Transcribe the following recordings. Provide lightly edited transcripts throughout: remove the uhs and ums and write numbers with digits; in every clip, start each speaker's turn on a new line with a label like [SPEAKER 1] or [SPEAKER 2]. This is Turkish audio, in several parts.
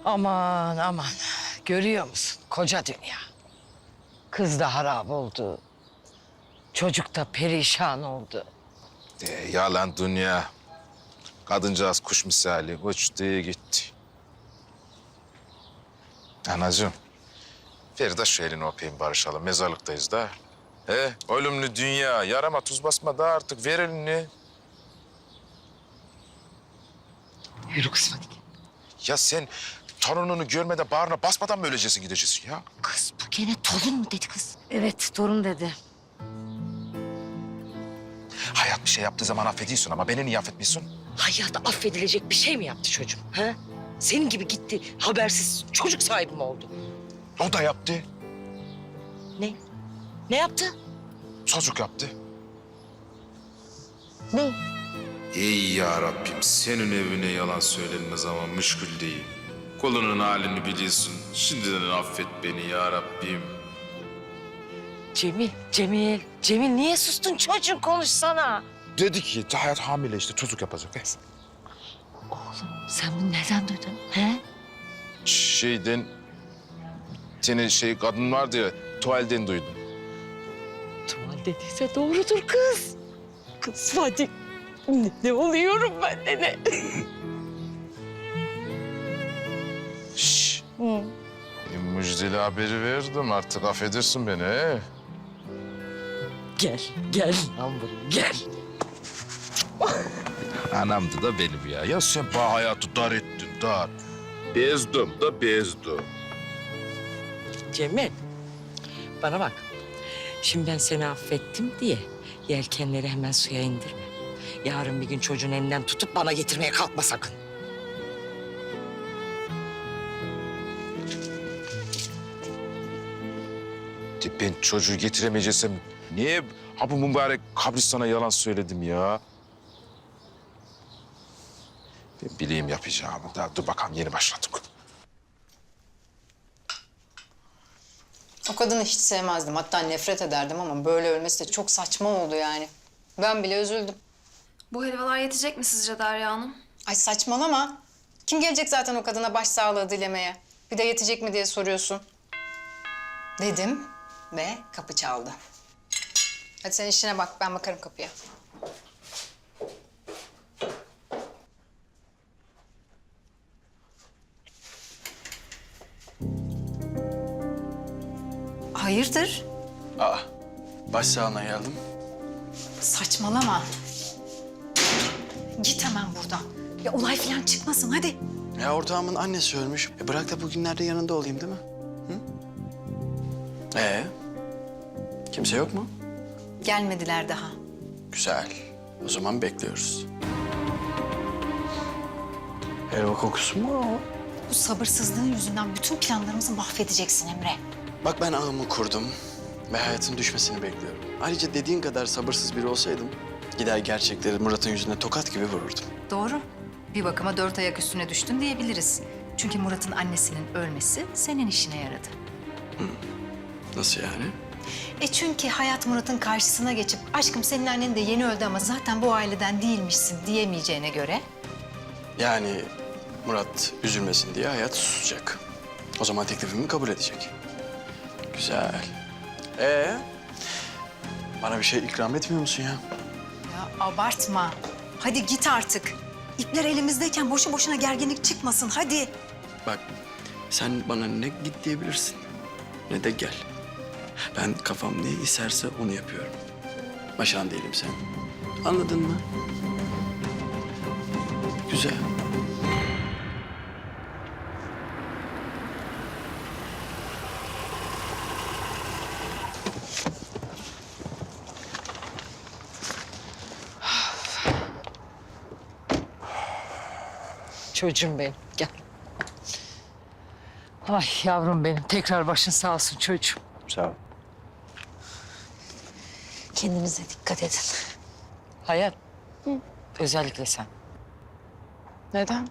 [SPEAKER 1] Aman aman. Görüyor musun? Koca dünya. Kız da harap oldu. Çocuk da perişan oldu.
[SPEAKER 2] Yalan dünya. Kadıncağız kuş misali uçtu gitti. Anacığım, ver de şu elini öpeyim barışalım. Mezarlıktayız da. Ölümlü dünya. Yarama tuz basma da artık. Ver elini.
[SPEAKER 1] Yürü kızım hadi.
[SPEAKER 2] Ya sen torununu görmeden bağrına basmadan mı öleceksin gideceksin ya?
[SPEAKER 1] Kız bu gene torun mu dedi kız? Evet torun dedi.
[SPEAKER 2] Hayat bir şey yaptığı zaman affediyorsun ama beni niye affetmiyorsun?
[SPEAKER 1] Hayatta affedilecek bir şey mi yaptı çocuğum? Ha? Senin gibi gitti habersiz çocuk sahibi mi oldu?
[SPEAKER 2] O da yaptı.
[SPEAKER 1] Ne? Ne yaptı?
[SPEAKER 2] Çocuk yaptı.
[SPEAKER 1] Ne?
[SPEAKER 2] Ey ya Rabbim, senin evine yalan söylenme zaman müşkül değil. Kulunun halini biliyorsun. Şimdiden affet beni ya Rabbim.
[SPEAKER 1] Cemil niye sustun çocuğum konuşsana.
[SPEAKER 2] Dedi ki Hayat hamile işte çocuk yapacak.
[SPEAKER 1] Oğlum sen bunu nereden duydun? He?
[SPEAKER 2] Şeyden, senin kadın vardı ya, tuvalden duydum.
[SPEAKER 1] Tuval dediyse doğrudur kız. Kız hadi. Ne oluyorum ben de ne?
[SPEAKER 2] Şşş. Müjdeli haberi verdim artık affedersin beni he.
[SPEAKER 1] Gel yavrum gel.
[SPEAKER 2] Anamdı da benim ya. Ya sen bana hayatı dar ettin dar. Bezdim da bezdim.
[SPEAKER 1] Cemil bana bak. Şimdi ben seni affettim diye yelkenleri hemen suya indirme. Yarın bir gün çocuğun elinden tutup bana getirmeye kalkma sakın.
[SPEAKER 2] Ben çocuğu getiremeyeceksem niye bu mübarek kabristana yalan söyledim ya? Ben bileyim yapacağımı. Daha dur bakalım yeni başladık.
[SPEAKER 3] O kadını hiç sevmezdim. Hatta nefret ederdim ama böyle ölmesi de çok saçma oldu yani. Ben bile üzüldüm.
[SPEAKER 4] Bu helvalar yetecek mi sizce Derya Hanım?
[SPEAKER 3] Ay saçmalama. Kim gelecek zaten o kadına başsağlığı dilemeye? Bir de yetecek mi diye soruyorsun. Dedim ve kapı çaldı. Hadi sen işine bak, ben bakarım kapıya. Hayırdır?
[SPEAKER 5] Başsağlığına geldim.
[SPEAKER 3] Saçmalama. Git hemen buradan. Ya olay falan çıkmasın hadi.
[SPEAKER 5] Ya ortağımın annesi ölmüş. Bırak da bugünlerde yanında olayım değil mi? Hı? Kimse yok mu?
[SPEAKER 3] Gelmediler daha.
[SPEAKER 5] Güzel. O zaman bekliyoruz. Helva kokusu mu o?
[SPEAKER 3] Bu sabırsızlığın yüzünden bütün planlarımızı mahvedeceksin Emre.
[SPEAKER 5] Bak ben ağımı kurdum ve hayatın düşmesini bekliyorum. Ayrıca dediğin kadar sabırsız biri olsaydım gider gerçekleri Murat'ın yüzüne tokat gibi vururdum.
[SPEAKER 3] Doğru. Bir bakıma 4 ayak üstüne düştün diyebiliriz. Çünkü Murat'ın annesinin ölmesi senin işine yaradı.
[SPEAKER 5] Nasıl yani?
[SPEAKER 3] Çünkü Hayat Murat'ın karşısına geçip aşkım senin annen de yeni öldü ama zaten bu aileden değilmişsin diyemeyeceğine göre...
[SPEAKER 5] Yani Murat üzülmesin diye hayat susacak. O zaman teklifimi kabul edecek. Güzel. Bana bir şey ikram etmiyor musun ya?
[SPEAKER 3] Ya abartma. Hadi git artık. İpler elimizdeyken boşu boşuna gerginlik çıkmasın hadi.
[SPEAKER 5] Bak sen bana ne git diyebilirsin ne de gel. Ben kafam ne isterse onu yapıyorum. Başan değilim sen. Anladın mı? Güzel.
[SPEAKER 1] Çocuğum benim gel. Ay yavrum benim tekrar başın sağ olsun çocuğum.
[SPEAKER 5] Sağ ol.
[SPEAKER 1] Kendinize dikkat edin. Hayat. Özellikle sen.
[SPEAKER 4] Neden?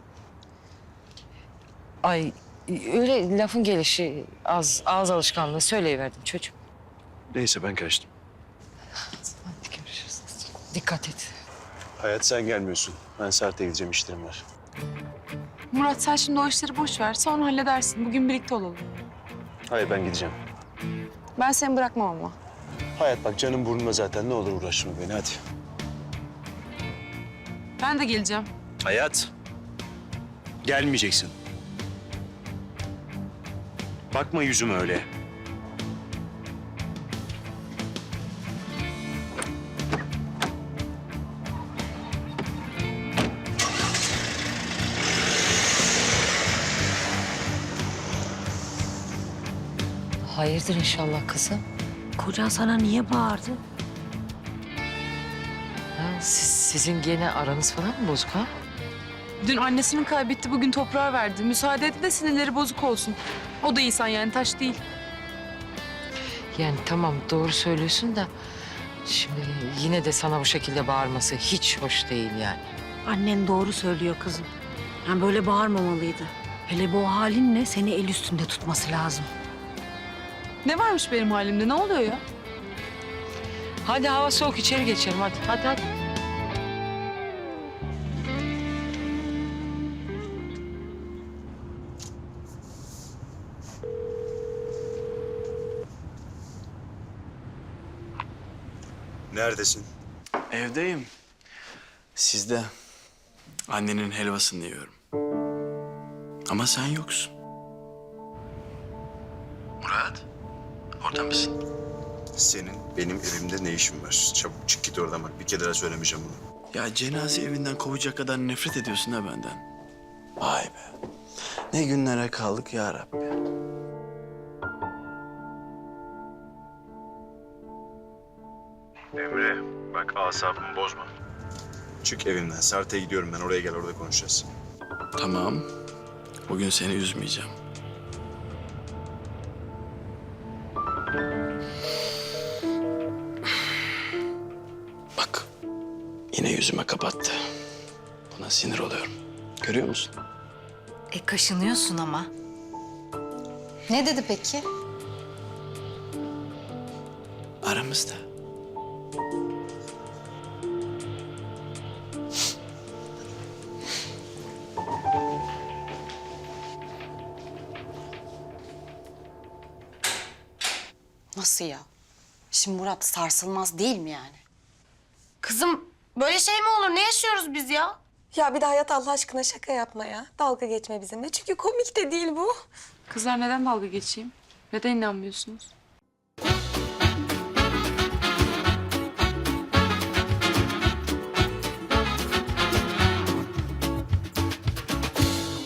[SPEAKER 1] Ay öyle lafın gelişi ağız alışkanlığı söyleyiverdim çocuğum.
[SPEAKER 6] Neyse ben kaçtım.
[SPEAKER 1] Hadi görüşürüz. Dikkat et.
[SPEAKER 6] Hayat sen gelmiyorsun. Ben Sert'e gideceğim işlerim var.
[SPEAKER 7] Murat sen şimdi o işleri boş ver. Sonra halledersin. Bugün birlikte olalım.
[SPEAKER 6] Hayır ben gideceğim.
[SPEAKER 7] Ben seni bırakmam ama.
[SPEAKER 6] Hayat bak canım burnuma zaten ne olur uğraşma beni hadi.
[SPEAKER 7] Ben de geleceğim.
[SPEAKER 6] Hayat. Gelmeyeceksin. Bakma yüzüme öyle.
[SPEAKER 1] Hayırdır inşallah kızım? Kocan sana niye bağırdı? Ha, sizin gene aranız falan mı bozuk ha?
[SPEAKER 7] Dün annesini kaybetti, bugün toprağa verdi. Müsaade etti de sinirleri bozuk olsun. O da insan yani, taş değil.
[SPEAKER 1] Yani tamam doğru söylüyorsun da... Şimdi yine de sana bu şekilde bağırması hiç hoş değil yani.
[SPEAKER 8] Annen doğru söylüyor kızım. Yani böyle bağırmamalıydı. Hele bu halinle seni el üstünde tutması lazım.
[SPEAKER 7] Ne varmış benim halimde, ne oluyor ya?
[SPEAKER 1] Hadi hava soğuk içeri geçelim hadi. Hadi.
[SPEAKER 6] Neredesin?
[SPEAKER 5] Evdeyim. Sizde. Annenin helvasını yiyorum. Ama sen yoksun. Murat, orada mısın?
[SPEAKER 6] Senin benim evimde ne işin var? Çabuk çık git oradan bak. Bir kere daha söylemeyeceğim bunu.
[SPEAKER 5] Ya cenaze evinden kovacak kadar nefret ediyorsun ha benden. Vay be. Ne günlere kaldık ya Rabbi.
[SPEAKER 6] Emre bak asabımı bozma. Çık evimden. Sart'a gidiyorum ben. Oraya gel orada konuşacağız.
[SPEAKER 5] Tamam. Bugün seni üzmeyeceğim. Bak. Yine yüzüme kapattı. Buna sinir oluyorum. Görüyor musun?
[SPEAKER 3] Kaşınıyorsun ama. Ne dedi peki?
[SPEAKER 5] Aramızda.
[SPEAKER 8] Nasıl ya? Şimdi Murat sarsılmaz değil mi yani?
[SPEAKER 9] Kızım böyle şey mi olur? Ne yaşıyoruz biz ya?
[SPEAKER 10] Ya bir de Hayat Allah aşkına şaka yapma ya. Dalga geçme bizimle. Çünkü komik de değil bu.
[SPEAKER 7] Kızlar neden dalga geçeyim? Neden inanmıyorsunuz?